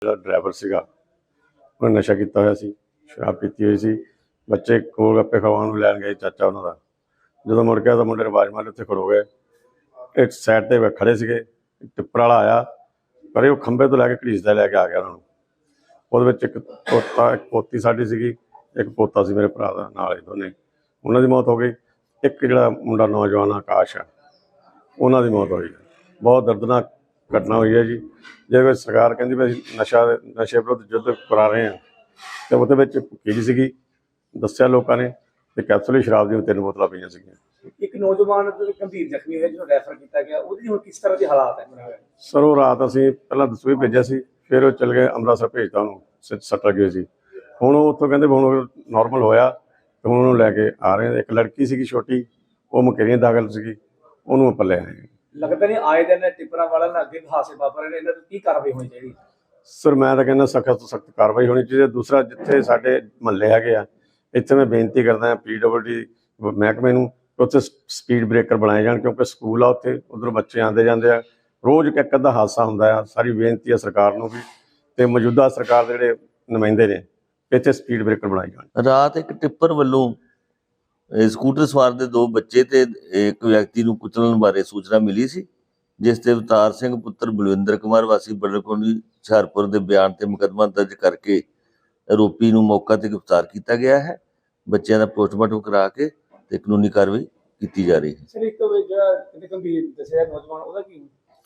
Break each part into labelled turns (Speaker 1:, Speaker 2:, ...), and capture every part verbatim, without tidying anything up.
Speaker 1: ਜਿਹੜਾ ਡਰਾਈਵਰ ਸੀਗਾ ਉਹਨੇ ਨਸ਼ਾ ਕੀਤਾ ਹੋਇਆ ਸੀ, ਸ਼ਰਾਬ ਪੀਤੀ ਹੋਈ ਸੀ। ਬੱਚੇ ਗੋਲ ਗੱਪੇ ਖਵਾਉਣ ਨੂੰ ਲੈਣ ਗਏ ਚਾਚਾ ਉਹਨਾਂ ਦਾ। ਜਦੋਂ ਮੁੜ ਗਿਆ ਤਾਂ ਮੁੰਡੇ ਨੇ ਆਵਾਜ਼ ਮਾਰੀ, ਉੱਥੇ ਖੜੋ ਗਏ। ਇੱਕ ਸਾਈਡ ਤੇ ਖੜੇ ਸੀਗੇ, ਟਿੱਪਰ ਵਾਲਾ ਆਇਆ ਪਰ ਉਹ ਖੰਭੇ ਤੋਂ ਲੈ ਕੇ ਘੜੀਸਦਾ ਲੈ ਕੇ ਆ ਗਿਆ ਉਹਨਾਂ ਨੂੰ। ਉਹਦੇ ਵਿੱਚ ਇੱਕ ਪੋਤਾ ਇੱਕ ਪੋਤੀ ਸਾਡੀ ਸੀਗੀ, ਇੱਕ ਪੋਤਾ ਸੀ ਮੇਰੇ ਭਰਾ ਦਾ, ਨਾਲ ਹੀ ਦੋਨੇ। ਉਹਨਾਂ ਦੀ ਮੌਤ ਹੋ ਗਈ। ਇੱਕ ਜਿਹੜਾ ਮੁੰਡਾ ਨੌਜਵਾਨ ਆਕਾਸ਼ ਆ, ਉਹਨਾਂ ਦੀ ਮੌਤ ਹੋਈ। ਬਹੁਤ ਦਰਦਨਾਕ ਘਟਨਾ ਹੋਈ ਹੈ ਜੀ। ਜਿਹਦੇ ਵਿੱਚ ਸਰਕਾਰ ਕਹਿੰਦੀ ਵੀ ਅਸੀਂ ਨਸ਼ਾ ਨਸ਼ੇ ਵਿਰੁੱਧ ਯੁੱਧ ਕਰਾ ਰਹੇ ਹਾਂ, ਅਤੇ ਉਹਦੇ ਵਿੱਚ ਭੁੱਕੀ ਸੀਗੀ, ਦੱਸਿਆ ਲੋਕਾਂ ਨੇ, ਅਤੇ ਕੈਪਸੂਲ ਸ਼ਰਾਬ ਦੀਆਂ ਤਿੰਨ ਬੋਤਲਾਂ ਪਈਆਂ ਸੀਗੀਆਂ।
Speaker 2: ਇੱਕ ਨੌਜਵਾਨ ਗੰਭੀਰ ਜ਼ਖਮੀ ਹੋਇਆ ਜਿਹਨੂੰ ਰੈਫਰ ਕੀਤਾ ਗਿਆ, ਉਹਦੀ ਹੁਣ ਕਿਸ ਤਰ੍ਹਾਂ ਦੇ ਹਾਲਾਤ ਹੈ?
Speaker 1: ਸਰ ਉਹ ਰਾਤ ਅਸੀਂ ਪਹਿਲਾਂ ਦਸੂਈ ਭੇਜਿਆ ਸੀ, ਫਿਰ ਉਹ ਚਲ ਗਏ ਅੰਮ੍ਰਿਤਸਰ ਭੇਜਤਾ ਉਹਨੂੰ, ਸੱਟ ਲੱਗੀ ਹੋਈ ਸੀ। ਹੁਣ ਉਹ ਉੱਥੋਂ ਕਹਿੰਦੇ ਹੁਣ ਨੋਰਮਲ ਹੋਇਆ ਅਤੇ ਹੁਣ ਉਹਨੂੰ ਲੈ ਕੇ ਆ ਰਹੇ। ਇੱਕ ਲੜਕੀ ਸੀਗੀ ਛੋਟੀ, ਉਹ ਮੁਕੇਰੀਆਂ ਦਾਖਲ ਸੀਗੀ, ਉਹਨੂੰ ਆਪਾਂ ਲੈ ਆਏ।
Speaker 2: ਲੱਗਦਾ ਨਹੀਂ ਆਏ ਦਿਨ ਟਿੱਪਰਾਂ ਵਾਲਿਆਂ ਨਾਲ ਅੱਗੇ ਹਾਸੇ ਵਾਪਰ ਰਹੇ ਨੇ, ਇਹਨਾਂ ਦੀ ਕੀ ਕਾਰਵਾਈ ਹੋਣੀ ਚਾਹੀਦੀ?
Speaker 1: ਸਰ ਮੈਂ ਤਾਂ ਕਹਿੰਦਾ ਸਖਤ ਤੋਂ ਸਖਤ ਕਾਰਵਾਈ ਹੋਣੀ ਚਾਹੀਦੀ ਹੈ। ਦੂਸਰਾ, ਜਿੱਥੇ ਸਾਡੇ ਮੁਹੱਲੇ ਹੈਗੇ ਆ, ਇੱਥੇ ਮੈਂ ਬੇਨਤੀ ਕਰਦਾ ਹਾਂ ਪੀ ਡਬਲ ਡੀ ਮਹਿਕਮੇ ਨੂੰ, ਉੱਥੇ ਸਪੀਡ ਬ੍ਰੇਕਰ ਬਣਾਏ ਜਾਣ, ਕਿਉਂਕਿ ਸਕੂਲ ਆ ਉੱਥੇ, ਉੱਧਰੋਂ ਬੱਚੇ ਆਉਂਦੇ ਜਾਂਦੇ ਆ, ਰੋਜ਼ ਇੱਕ ਅੱਧਾ ਹਾਦਸਾ ਹੁੰਦਾ ਆ। ਸਾਰੀ ਬੇਨਤੀ ਆ ਸਰਕਾਰ ਨੂੰ ਵੀ, ਅਤੇ ਮੌਜੂਦਾ ਸਰਕਾਰ ਦੇ ਜਿਹੜੇ ਨੁਮਾਇੰਦੇ ਨੇ, ਇੱਥੇ ਸਪੀਡ ਬ੍ਰੇਕਰ ਬਣਾਏ ਜਾਣ।
Speaker 3: ਰਾਤ ਇੱਕ ਟਿੱਪਰ ਵੱਲੋਂ ਸਕੂਟਰ ਸਵਾਰ ਦੇ ਦੋ ਬੱਚੇ ਤੇ ਇੱਕ ਵਿਅਕਤੀ ਨੂੰ ਕੁਚਲਣ ਬਾਰੇ ਸੂਚਨਾ ਮਿਲੀ ਸੀ, ਜਿਸ ਤੇ ਅਵਤਾਰ ਸਿੰਘ ਪੁੱਤਰ ਬਲਵਿੰਦਰ ਕੁਮਾਰ ਵਾਸੀ ਬੜਕੋਣੀ ਹੁਸ਼ਿਆਰਪੁਰ ਦੇ ਬਿਆਨ ਤੇ ਮੁਕੱਦਮਾ ਦਰਜ ਕਰਕੇ ਆਰੋਪੀ ਨੂੰ ਮੌਕਾ ਤੇ ਗ੍ਰਿਫਤਾਰ ਕੀਤਾ ਗਿਆ ਹੈ। ਬੱਚਿਆਂ ਦਾ ਪੋਸਟਮਾਰਟਮ ਕਰਾ ਕੇ ਤੇ ਕਾਨੂੰਨੀ ਕਾਰਵਾਈ ਕੀਤੀ ਜਾ ਰਹੀ ਹੈ।
Speaker 2: ਸਰ ਇੱਕ ਜਿਹੜਾ ਗੰਭੀਰ ਦੱਸਿਆ ਨੌਜਵਾਨ, ਉਹਦਾ ਕੀ?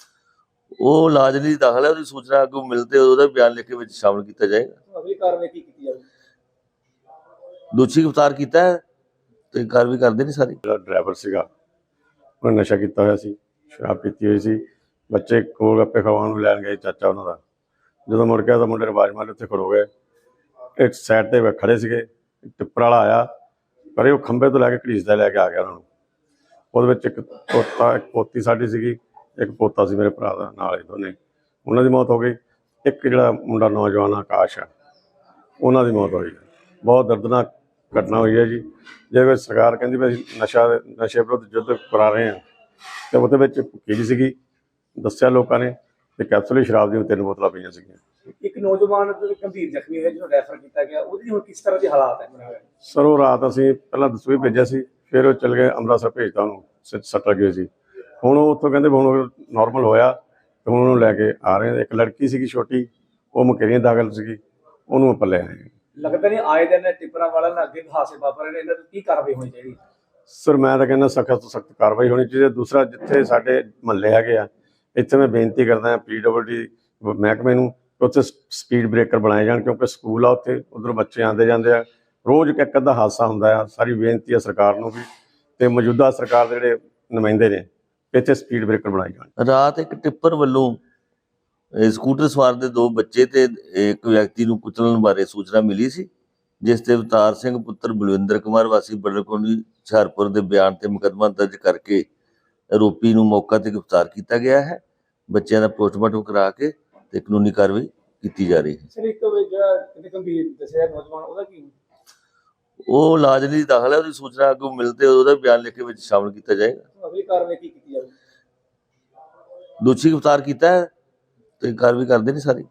Speaker 3: ਉਹ ਇਲਾਜ ਲਈ ਦਾਖਲ ਹੈ, ਉਹਦੀ ਸੂਚਨਾ ਅੱਗੋਂ ਮਿਲਦੇ ਉਹਦਾ ਬਿਆਨ ਲਿਖ ਕੇ ਵਿੱਚ ਸ਼ਾਮਲ ਕੀਤਾ ਜਾਏਗਾ।
Speaker 2: ਅਗਲੀ ਕਾਰਵਾਈ ਕੀ ਕੀਤੀ ਜਾਵੇ?
Speaker 3: ਦੋਸ਼ੀ ਗ੍ਰਿਫਤਾਰ ਕੀਤਾ ਹੈ ਤੇ ਕਾਰਵਾਈ ਕਰਦੇ ਨੇ ਸਾਰੀ।
Speaker 1: ਜਿਹੜਾ ਡਰਾਈਵਰ ਸੀਗਾ ਉਹਨੇ ਨਸ਼ਾ ਕੀਤਾ ਹੋਇਆ ਸੀ, ਸ਼ਰਾਬ ਪੀਤੀ ਹੋਈ ਸੀ। ਬੱਚੇ ਗੋਲ ਗੱਪੇ ਖਵਾਉਣ ਨੂੰ ਲੈਣ ਗਏ ਚਾਚਾ ਉਹਨਾਂ ਦਾ। ਜਦੋਂ ਮੁੜ ਗਿਆ ਤਾਂ ਮੁੰਡੇ ਨੇ ਆਵਾਜ਼ ਮਾਰੀ, ਉੱਥੇ ਖੜੋ ਗਏ। ਇੱਕ ਸਾਈਡ ਤੇ ਖੜੇ ਸੀਗੇ, ਟਿੱਪਰ ਵਾਲਾ ਆਇਆ ਪਰ ਉਹ ਖੰਭੇ ਤੋਂ ਲੈ ਕੇ ਘੜੀਸਦਾ ਲੈ ਕੇ ਆ ਗਿਆ ਉਹਨਾਂ ਨੂੰ। ਉਹਦੇ ਵਿੱਚ ਇੱਕ ਪੋਤਾ ਇੱਕ ਪੋਤੀ ਸਾਡੀ ਸੀਗੀ, ਇੱਕ ਪੋਤਾ ਸੀ ਮੇਰੇ ਭਰਾ ਦਾ, ਨਾਲ ਹੀ ਦੋਨੇ। ਉਹਨਾਂ ਦੀ ਮੌਤ ਹੋ ਗਈ। ਇੱਕ ਜਿਹੜਾ ਮੁੰਡਾ ਨੌਜਵਾਨ ਆਕਾਸ਼ ਆ, ਉਹਨਾਂ ਦੀ ਮੌਤ ਹੋਈ। ਬਹੁਤ ਦਰਦਨਾਕ ਘਟਨਾ ਹੋਈ ਹੈ ਜੀ। ਜਿਹਦੇ ਵਿੱਚ ਸਰਕਾਰ ਕਹਿੰਦੀ ਵੀ ਅਸੀਂ ਨਸ਼ਾ ਨਸ਼ੇ ਵਿਰੁੱਧ ਯੁੱਧ ਕਰਾ ਰਹੇ ਹਾਂ, ਅਤੇ ਉਹਦੇ ਵਿੱਚ ਭੁੱਕੀ ਸੀਗੀ, ਦੱਸਿਆ ਲੋਕਾਂ ਨੇ, ਅਤੇ ਕੈਪਸੂਲ ਸ਼ਰਾਬ ਦੀਆਂ ਤਿੰਨ ਬੋਤਲਾਂ ਪਈਆਂ ਸੀਗੀਆਂ।
Speaker 2: ਇੱਕ ਨੌਜਵਾਨ ਗੰਭੀਰ ਜ਼ਖਮੀ ਹੋਇਆ ਜਿਹਨੂੰ ਰੈਫਰ ਕੀਤਾ ਗਿਆ, ਉਹਦੀ ਹੁਣ ਕਿਸ ਤਰ੍ਹਾਂ ਦੇ ਹਾਲਾਤ ਹੈ?
Speaker 1: ਸਰ ਉਹ ਰਾਤ ਅਸੀਂ ਪਹਿਲਾਂ ਦਸੂਈ ਭੇਜਿਆ ਸੀ, ਫਿਰ ਉਹ ਚਲ ਗਏ ਅੰਮ੍ਰਿਤਸਰ ਭੇਜਤਾ ਉਹਨੂੰ, ਸੱਟ ਲੱਗੀ ਹੋਈ ਸੀ। ਹੁਣ ਉਹ ਉੱਥੋਂ ਕਹਿੰਦੇ ਹੁਣ ਨੋਰਮਲ ਹੋਇਆ ਅਤੇ ਹੁਣ ਉਹਨੂੰ ਲੈ ਕੇ ਆ ਰਹੇ। ਇੱਕ ਲੜਕੀ ਸੀਗੀ ਛੋਟੀ, ਉਹ ਮੁਕੇਰੀਆਂ ਦਾਖਲ ਸੀਗੀ, ਉਹਨੂੰ ਆਪਾਂ ਲੈ ਆਏ।
Speaker 2: ਲੱਗਦਾ ਨਹੀਂ ਆਏ ਦਿਨ ਟਿੱਪਰਾਂ ਵਾਲਿਆਂ ਨਾਲ ਅੱਗੇ ਹਾਸੇ ਵਾਪਰ ਰਹੇ ਨੇ, ਇਹਨਾਂ ਦੀ ਕੀ ਕਾਰਵਾਈ ਹੋਣੀ ਚਾਹੀਦੀ?
Speaker 1: ਸਰ ਮੈਂ ਤਾਂ ਕਹਿੰਦਾ ਸਖਤ ਤੋਂ ਸਖਤ ਕਾਰਵਾਈ ਹੋਣੀ ਚਾਹੀਦੀ ਹੈ। ਦੂਸਰਾ, ਜਿੱਥੇ ਸਾਡੇ ਮੁਹੱਲੇ ਹੈਗੇ ਆ, ਇੱਥੇ ਮੈਂ ਬੇਨਤੀ ਕਰਦਾ ਹਾਂ ਪੀ ਡਬਲ ਡੀ ਮਹਿਕਮੇ ਨੂੰ, ਉੱਥੇ ਸਪੀਡ ਬ੍ਰੇਕਰ ਬਣਾਏ ਜਾਣ, ਕਿਉਂਕਿ ਸਕੂਲ ਆ ਉੱਥੇ, ਉੱਧਰੋਂ ਬੱਚੇ ਆਉਂਦੇ ਜਾਂਦੇ ਆ, ਰੋਜ਼ ਇੱਕ ਅੱਧਾ ਹਾਦਸਾ ਹੁੰਦਾ ਆ। ਸਾਰੀ ਬੇਨਤੀ ਆ ਸਰਕਾਰ ਨੂੰ ਵੀ, ਅਤੇ ਮੌਜੂਦਾ ਸਰਕਾਰ ਦੇ ਜਿਹੜੇ ਨੁਮਾਇੰਦੇ ਨੇ, ਇੱਥੇ ਸਪੀਡ ਬ੍ਰੇਕਰ ਬਣਾਏ ਜਾਣ।
Speaker 3: ਰਾਤ ਇੱਕ ਟਿੱਪਰ ਵੱਲੋਂ ਸਕੂਟਰ ਸਵਾਰ ਦੇ ਦੋ ਬੱਚੇ ਤੇ ਇੱਕ ਵਿਅਕਤੀ ਨੂੰ ਕੁਚਲਣ ਬਾਰੇ ਸੂਚਨਾ ਮਿਲੀ ਸੀ, ਜਿਸ ਤੇ ਅਵਤਾਰ ਸਿੰਘ ਪੁੱਤਰ ਬਲਵਿੰਦਰ ਕੁਮਾਰ ਵਾਸੀ ਬੜਕੋਣੀ ਹੁਸ਼ਿਆਰਪੁਰ ਦੇ ਬਿਆਨ ਤੇ ਮੁਕੱਦਮਾ ਦਰਜ ਕਰਕੇ ਆਰੋਪੀ ਨੂੰ ਮੌਕਾ ਤੇ ਗ੍ਰਿਫਤਾਰ ਕੀਤਾ ਗਿਆ ਹੈ। ਬੱਚਿਆਂ ਦਾ ਪੋਸਟਮਾਰਟਮ ਕਰਾ ਕੇ ਤੇ ਕਾਨੂੰਨੀ ਕਾਰਵਾਈ ਕੀਤੀ ਜਾ ਰਹੀ ਹੈ।
Speaker 2: ਸਰ ਇੱਕ ਜਿਹੜਾ ਗੰਭੀਰ ਦੱਸਿਆ ਨੌਜਵਾਨ, ਉਹਦਾ ਕੀ?
Speaker 3: ਉਹ ਇਲਾਜ ਲਈ ਦਾਖਲ ਹੈ, ਉਹਦੀ ਸੂਚਨਾ ਅੱਗੋਂ ਮਿਲਦੇ ਉਹਦਾ ਬਿਆਨ ਲਿਖ ਕੇ ਵਿੱਚ ਸ਼ਾਮਲ ਕੀਤਾ ਜਾਏਗਾ।
Speaker 2: ਅਗਲੀ ਕਾਰਵਾਈ ਕੀ ਕੀਤੀ ਜਾਵੇ?
Speaker 3: ਦੋਸ਼ੀ ਗ੍ਰਿਫਤਾਰ ਕੀਤਾ ਹੈ ਤੇ ਕਾਰਵਾਈ ਕਰਦੇ ਨੇ ਸਾਰੀ।